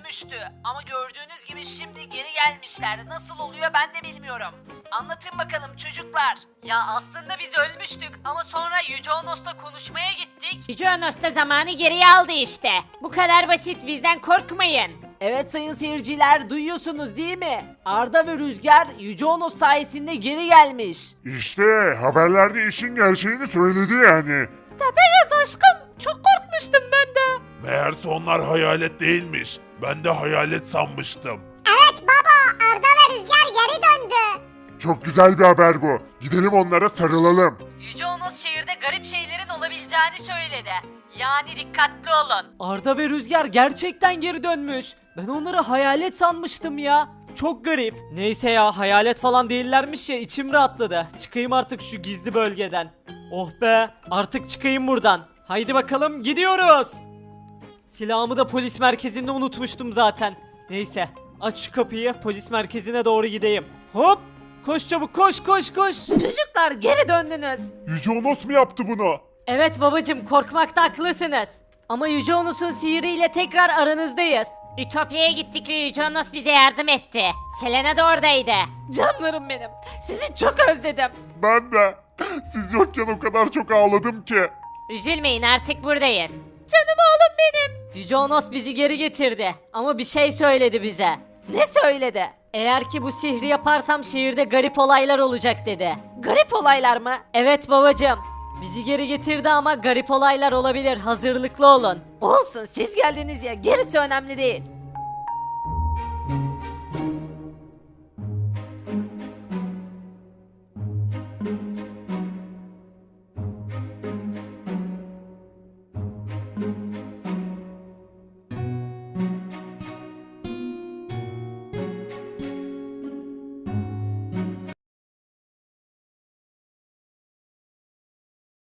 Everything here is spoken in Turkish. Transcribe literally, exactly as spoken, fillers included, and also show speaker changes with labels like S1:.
S1: ölmüştü. Ama gördüğünüz gibi şimdi geri gelmişler. Nasıl oluyor ben de bilmiyorum. Anlatın bakalım çocuklar. Ya aslında biz ölmüştük ama sonra Yüce Onos'la konuşmaya gittik.
S2: Yüce Onos da zamanı geriye aldı işte. Bu kadar basit, bizden korkmayın.
S1: Evet sayın seyirciler, duyuyorsunuz değil mi? Arda ve Rüzgar Yüce Onos sayesinde geri gelmiş.
S3: İşte haberlerde işin gerçeğini söyledi yani.
S1: Tepegöz aşkım, çok korkmuştum ben de.
S3: Meğerse onlar hayalet değilmiş. Ben de hayalet sanmıştım.
S4: Evet baba, Arda ve Rüzgar geri döndü.
S3: Çok güzel bir haber bu. Gidelim onlara sarılalım.
S1: Yüce Onos şehirde garip şeylerin olabileceğini söyledi. Yani dikkatli olun. Arda ve Rüzgar gerçekten geri dönmüş. Ben onları hayalet sanmıştım ya. Çok garip. Neyse ya, hayalet falan değillermiş ya, içim rahatladı. Çıkayım artık şu gizli bölgeden. Oh be, artık çıkayım buradan. Haydi bakalım, gidiyoruz. Silahımı da polis merkezinde unutmuştum zaten. Neyse, aç şu kapıyı, polis merkezine doğru gideyim. Hop! Koş çabuk, koş koş koş. Çocuklar geri döndünüz.
S3: Yüce Onos mu yaptı bunu?
S1: Evet babacım, korkmakta haklısınız. Ama Yüce Onos'un sihiriyle tekrar aranızdayız.
S2: Ütopya'ya gittik ve Yüce Onos bize yardım etti. Selena da oradaydı.
S1: Canlarım benim. Sizi çok özledim.
S3: Ben de. Siz yokken o kadar çok ağladım ki.
S2: Üzülmeyin, artık buradayız.
S1: Canım oğlum benim. Yüce Onos bizi geri getirdi. Ama bir şey söyledi bize. Ne söyledi? Eğer ki bu sihri yaparsam şehirde garip olaylar olacak dedi. Garip olaylar mı? Evet babacığım. Bizi geri getirdi ama garip olaylar olabilir. Hazırlıklı olun. Olsun, siz geldiniz ya. Gerisi önemli değil.